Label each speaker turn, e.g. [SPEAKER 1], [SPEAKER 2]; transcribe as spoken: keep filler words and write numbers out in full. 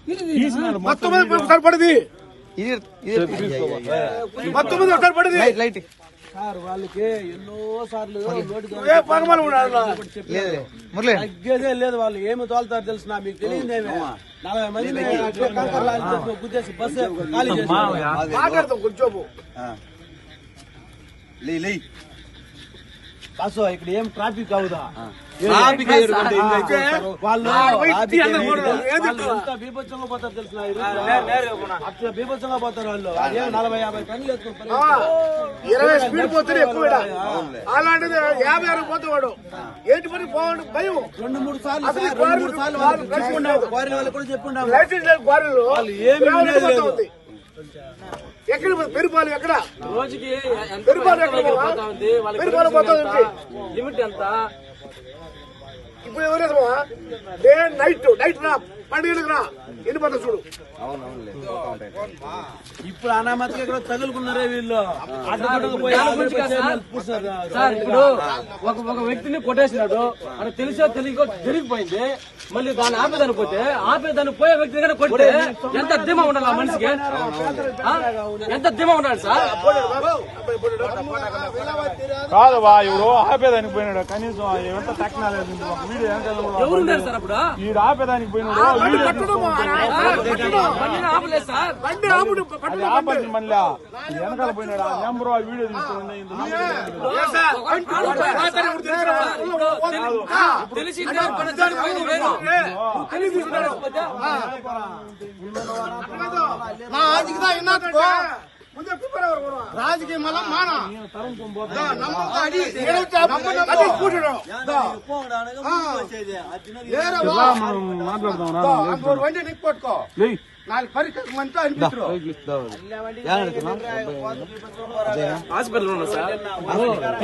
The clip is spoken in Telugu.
[SPEAKER 1] మొత్తం ఒకసారి పడింది మొత్తం ఒకసారి పడింది
[SPEAKER 2] లైట్
[SPEAKER 3] సార్ వాళ్ళకి ఎన్నో సార్లు తగ్గేదే లేదు. వాళ్ళు ఏమి తోలుతారు తెలిసిన మీకు తెలియదేమే. నలభై మంది గుద్దేసి బస్సు ఖాళీ చేసి
[SPEAKER 1] కొంచెం
[SPEAKER 3] బస్సు ఇక్కడ ఏం ట్రాఫిక్ అవుదా?
[SPEAKER 1] వాళ్ళు
[SPEAKER 3] ఎంత బీభత్సంగా పోతారు తెలిసిన అట్లా బీభత్సంగా పోతారు వాళ్ళు. నలభై యాభై టన్నులు
[SPEAKER 1] ఇరవై స్పీడ్ పోతే ఎక్కువ అలాంటిది యాభై అరవై పోతాడు. ఏంటి పని పోవడం భయం.
[SPEAKER 3] రెండు మూడు సార్లు రెండు మూడు సార్లు చెప్పుకున్నాం. క్వారీ వాళ్ళు కూడా చెప్పుకున్నాం.
[SPEAKER 1] లైసెన్స్ లేదు క్వారీలు.
[SPEAKER 3] వాళ్ళు ఏమి
[SPEAKER 1] ఎక్కడ పెరుపాలు ఎక్కడ
[SPEAKER 4] రోజుకి
[SPEAKER 1] పెరుపాలు ఎక్కడ పెరుపాలు పోతుంది
[SPEAKER 4] లిమిట్ ఎంత?
[SPEAKER 1] ఇప్పుడు ఎవరేమో డే నైట్ నైట్ రా పండుగలకు రా ఎన్ని పడుతుంది చూడు.
[SPEAKER 3] ఇప్పుడు అనామతిగా ఇక్కడ తగులుకున్నారే వీళ్ళు.
[SPEAKER 4] సార్ ఇప్పుడు ఒక ఒక వ్యక్తిని కొట్టేసినాడు అని తెలిసో తెలియకో జరిగిపోయింది. మళ్ళీ దాన్ని ఆపేదాన్ని పోతే ఆపేదాన్ని పోయే వ్యక్తి దగ్గర కొడితే ఎంత ధీమా ఉండాలి ఆ మనిషికి? ఎంత ధీమా ఉండాలి సార్?
[SPEAKER 5] కాదు బా ఎవరు ఆపేదానికి పోయినాడు. కనీసం ఎంత టెక్నాలజీ వీడియో
[SPEAKER 4] ఎవరు ఉన్నారు సార్ అప్పుడు?
[SPEAKER 5] ఈ ఆపేదానికి పోయినాడు. ఆపండి మళ్ళీ వెనకాల పోయినాడు. ఆ నెంబర్ ఆ వీడియో తీసుకుని
[SPEAKER 4] తెలిసి
[SPEAKER 1] రాజకీయ మళ్ళా మాన మాట్లాడదాం వండి నీకు పట్టుకో నాలుగు పరీక్షకు మంచిగా అనిపిస్తారు.
[SPEAKER 4] హాస్పిటల్ ఉన్నా సార్.